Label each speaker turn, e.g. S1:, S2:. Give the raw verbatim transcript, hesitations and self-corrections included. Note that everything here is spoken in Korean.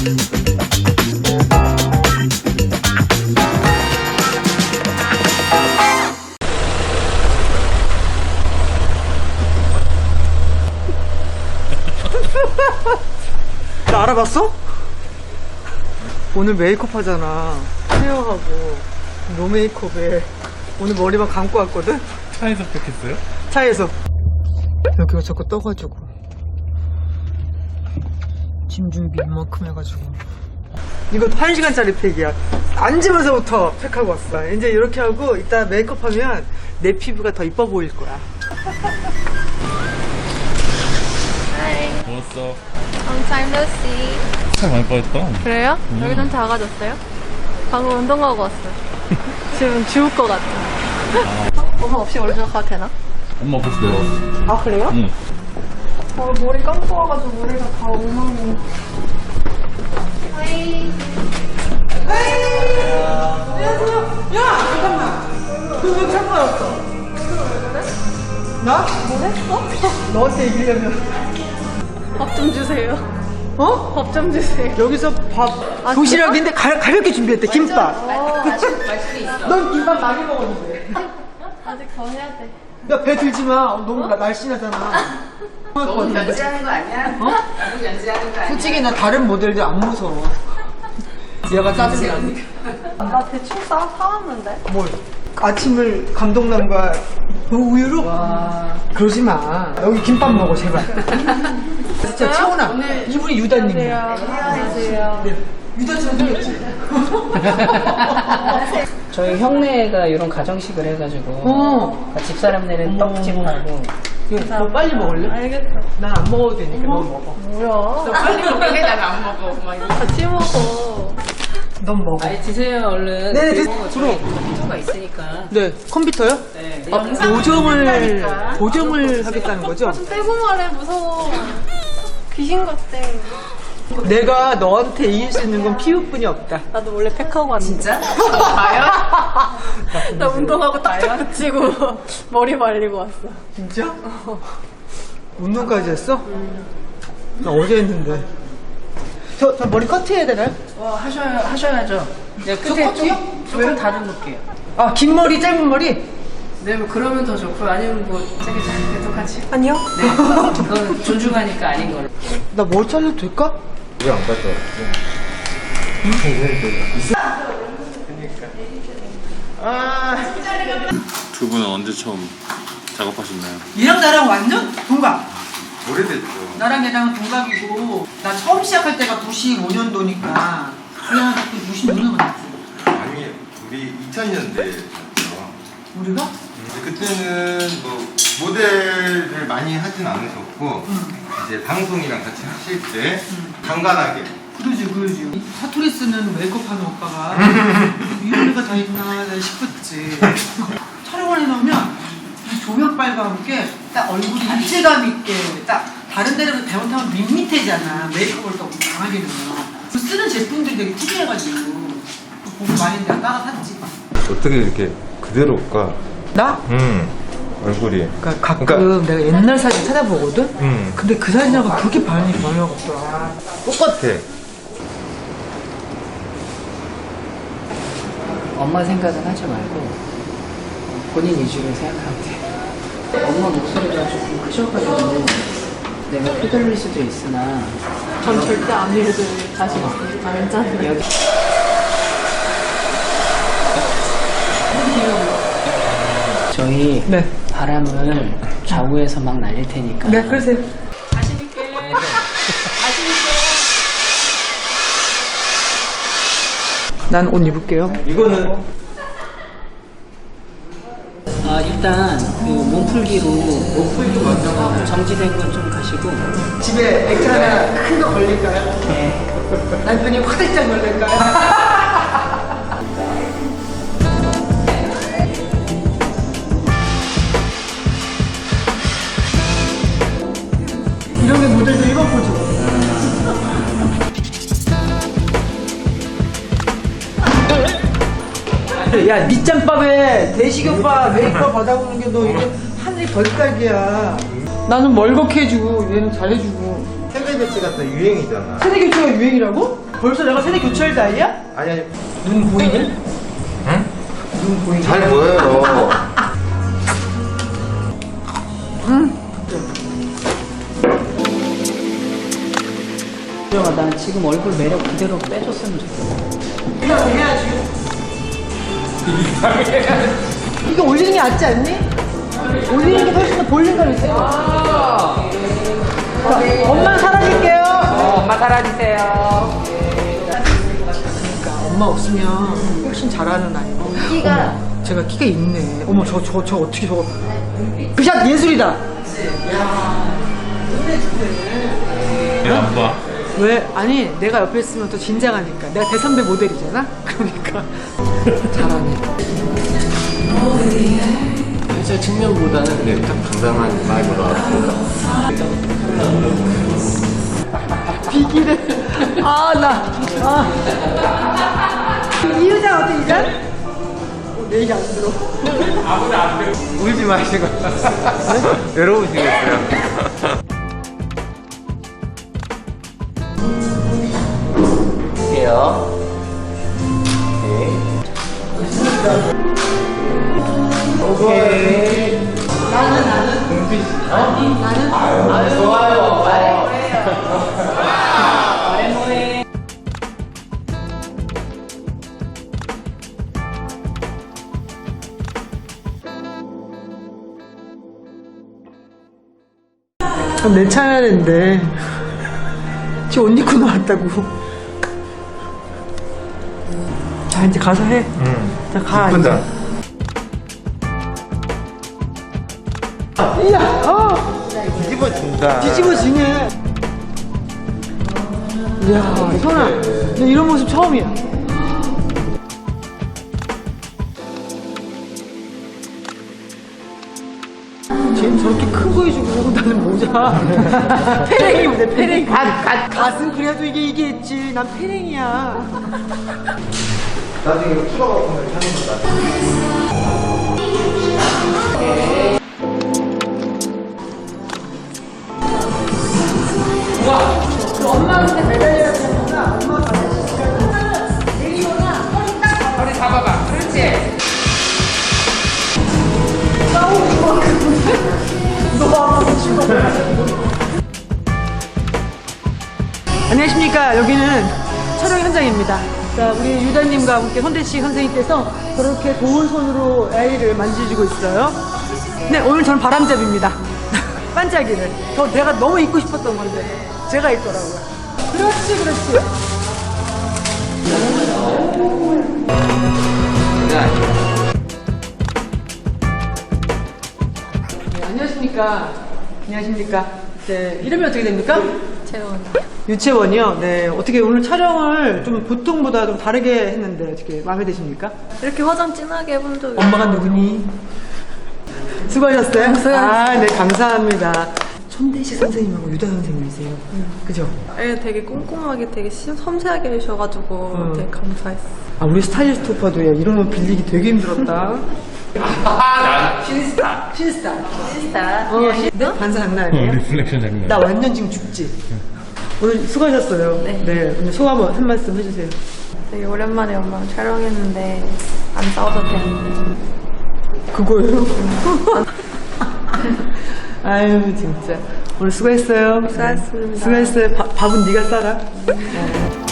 S1: 나 알아봤어? 오늘 메이크업 하잖아. 헤어하고 노 메이크업에 오늘 머리만 감고 왔거든?
S2: 차에서 팩했어요?
S1: 차에서. 여기가 자꾸 떠가지고 짐 준비 이만큼 해가지고. 이것도 한 시간짜리 팩이야. 앉으면서부터 팩하고 왔어. 이제 이렇게 하고 이따 메이크업 하면 내 피부가 더 이뻐 보일 거야.
S2: 먹었어.
S3: Long time no see.
S2: 살 많이 빠졌다.
S3: 그래요?
S2: 음.
S3: 여기 좀 작아졌어요? 방금 운동하고 왔어요. 지금 죽을 것 같아. 엄마 없이 원래 가도 되나?
S2: 엄마 벌써 내려왔어.
S3: 아 그래요?
S2: 응.
S3: 어, 머리 감고 와가지고 머리가 다 엉망이. 하이.
S1: 너왜 참고 왔어? 나?
S3: 뭐랬어?
S1: 너한테 얘기하려면.
S3: 밥 좀 주세요.
S1: 어?
S3: 밥 좀 주세요.
S1: 여기서 밥
S3: 아,
S1: 도시락인데 가, 가볍게 준비했대. 김밥.
S3: 어,
S1: 넌 김밥 많이 먹었는데.
S3: 아직 더 해야 돼.
S1: 야, 배 들지 마. 너무 나- 날씬하잖아.
S4: 너무 연지하는 거 아니야?
S1: 어?
S4: 너무 연지하는 거 아니야?
S1: 솔직히 나 다른 모델들 안 무서워. 얘가 짜증나.
S3: 나 대충 싸, 사왔는데?
S1: 뭘? 아침을 감동남과 우유로? 그러지 마. 여기 김밥 먹어, 제발. 진짜 채원아. 이분이 유다님이야.
S3: 안녕하세요.
S1: 유다처럼 생겼지?
S4: 저희 형네가 이런 가정식을 해가지고
S1: 어.
S4: 집사람네는 떡집하고
S1: 이거 너 빨리 먹을래?
S3: 알겠어.
S1: 난 안 먹어도 되니까 너 먹어.
S3: 뭐야?
S4: 빨리 먹게 나는 안 먹어. 막 이러고.
S3: 같이 먹어.
S1: 넌 먹어.
S4: 아니 드세요 얼른.
S1: 네,
S4: 그리고
S1: 드-
S4: 저희
S1: 들어.
S4: 컴퓨터가 있으니까.
S1: 네, 컴퓨터요?
S4: 네.
S1: 아,
S4: 영상
S1: 보정을,
S4: 찍는다니까.
S1: 보정을 하겠다는 거죠?
S3: 좀 떼고 말해, 무서워. 귀신 같대.
S1: 내가 너한테 이길 수 있는 건 피부뿐이 없다.
S3: 나도 원래 팩하고 왔는데.
S4: 진짜? 봐요?
S3: 나 운동하고 딱딱 붙이고 머리 말리고 왔어.
S1: 진짜? 운동까지 했어? 나 어제 했는데. 저, 저 머리 커트해야 되나요?
S4: 어, 하셔야, 하셔야죠. 네, 끝에
S1: 저 커트요?
S4: 조금, 조금 다듬을게요.
S1: 아, 긴 머리, 짧은 머리?
S4: 네, 뭐 그러면 더 좋고 아니면 뭐 저기 저기 똑같이.
S3: 아니요?
S4: 네, 그건 존중하니까 아닌 걸로.
S1: 나 머리 잘라도 될까?
S2: 왜 안 갔다 두 분은 언제 처음 작업하셨나요?
S1: 얘랑 나랑 완전 동갑.
S2: 오래됐죠.
S1: 나랑 얘랑은 동갑이고, 나 처음 시작할 때가 구십오 년도니까, 그냥 또 육십오 년 만났지.
S5: 아니 우리 이천 년대였죠.
S1: 우리가?
S5: 그때는 뭐 모델을 많이 하진 않으셨고 이제 방송이랑 같이 하실 때 간간하게
S1: 그러지, 그러지. 사투리 쓰는 메이크업 하는 오빠가, 이런 애가 다 있나 싶었지. 촬영을 해놓으면, 이 조명빨과 함께 딱 얼굴이 입체감 있게, 딱 다른 데는 잘못하면 밋밋해지잖아. 메이크업을 또 강하게 넣으면. 그 쓰는 제품들이 되게 특이해가지고, 보고 많이 내가 따라 샀지.
S6: 어떻게 이렇게 그대로 올까?
S1: 나?
S6: 음 얼굴이.
S1: 그러니까 가끔 내가 옛날 사진 찾아보거든?
S6: 음
S1: 근데 그 사진하고 그렇게 반응이 변화가 없더라.
S6: 똑같아.
S4: 엄마 생각은 하지 말고 본인 위주로 생각하면 돼. 엄마 목소리가 조금 크셔가지고 내가 휘둘릴 수도 있으나
S3: 전 절대 안 읽을 자신 있으니까 괜찮아요.
S4: 여기 저희
S1: 네.
S4: 바람을 좌우에서 막 날릴 테니까.
S1: 네, 그러세요. 난 옷 입을게요.
S6: 이거는
S4: 아 일단 그 몸풀기로 몸풀기로 먼저 정지된 건 좀 가시고.
S1: 집에 액자 하나 큰 거 걸릴까요?
S4: 네.
S1: 남편이 화들짝 놀랄까요? 이런 게 모델도 입어보죠. 야, 밑장밥에 대식 오빠 메이크업 받아보는 게 너 이게 하늘이 벌떡이야. 나는 멀겋게 해주고 얘는 잘해주고.
S5: 세대 교체가 또 유행이잖아.
S1: 세대 교체가 유행이라고? 벌써 내가 세대 교체할 나이야?
S5: 아니 아니
S1: 눈 보이니?
S5: 응?
S1: 눈 보이니?
S5: 잘 보여요.
S4: 주영아, 난 지금 얼굴 매력 그대로 빼줬으면 좋겠어.
S1: 그냥 해야지. 이거 올리는 게 낫지 않니? 올리는 게 훨씬 더 볼륨감 있어요. 자, 엄마 사라질게요.
S4: 엄마 사라지세요.
S1: 그러니까 엄마 없으면 훨씬 잘하는 아이고. 키가 제가 키가 있네. 어머 저 저 저 어떻게 저거 그샷 예술이다.
S2: 왜 안 봐?
S1: 왜? 아니 내가 옆에 있으면 더 진작하니까. 내가 대선배 모델이잖아. 그러니까 잘하네.
S7: 회사 측면보다는 그냥 딱 당당한 마음으로 왔습니다.
S1: 비기래. 아, 나. 아. 이 의자 어때, 이 의자? 어, 내 얘기 안 들어.
S5: 울지 마시고 외로우시겠어요.
S7: 할게요.
S5: 오케이.
S1: 나는, 나는.
S5: 동피 씨.
S1: 나는.
S7: 아유, 좋아요. 말해 뭐해요. 말해 뭐해.
S1: 그럼 내 차례인데. 지금 옷 입고 나왔다고. 자, 이제 가서 해.
S5: 응.
S1: 자, 가.
S5: 이쁘다.
S1: 이제. 이야, 어!
S5: 뒤집어진다.
S1: 뒤집어지네. 이야, 현아. 너 이런 모습 처음이야. 쟤는 저렇게 큰 거 해주고 나는 모자. 페랭이 모자, 페랭이. 가, 가, 갓은 그래도 이게 이게 있지. 난 페랭이야.
S5: 나중에 이거 키가 보면 사는 거다.
S1: 엄마한테 매달려야 되는구나. 엄마가 내리거나 허리 딱 잡아.
S4: 머리 잡아봐. 그렇지.
S1: 싸우고 너 아무 싫어. 안녕하십니까. 여기는 촬영 현장입니다. 자, 우리 유다님과 함께 선대식 선생님께서 저렇게 좋은 손으로 아이를 만지시고 있어요. 네, 오늘 저는 바람잡이입니다. 반짝이를. 저 내가 너무 입고 싶었던 건데 제가 입더라고요. 그렇지, 그렇지. 네, 안녕하십니까. 안녕하십니까. 네, 이름이 어떻게 됩니까?
S3: 재원.
S1: 유채원이요. 네, 어떻게 오늘 촬영을 좀 보통보다 좀 다르게 했는데 어떻게 마음에 드십니까?
S3: 이렇게 화장 진하게 해본 적이
S1: 엄마가 누구니? 수고하셨어요?
S3: 수고하셨어요.
S1: 아, 네, 감사합니다. 손대식 선생님하고 유다 선생님이세요. 그죠?
S3: 예, 되게 꼼꼼하게 되게 시- 섬세하게 해주셔가지고
S1: 음.
S3: 되게 감사했어.
S1: 아, 우리 스타일리스트 오빠도 야, 이런 옷 빌리기 되게 힘들었다.
S4: 신스타.
S1: 신스타.
S3: 진짜?
S1: 어, 신... 네? 반사 장난 아니에요?
S2: 리플렉션 장면.
S1: 나 완전 지금 죽지? 오늘 수고하셨어요.
S3: 네.
S1: 네. 오늘 소감 한 말씀 해주세요.
S3: 되게 오랜만에 엄마랑 촬영했는데 안 싸워도 되는데.
S1: 그거예요? 아유, 진짜. 오늘 수고했어요.
S3: 수고하셨습니다.
S1: 수고했어요. 밥- 밥은 네가 싸라. 어.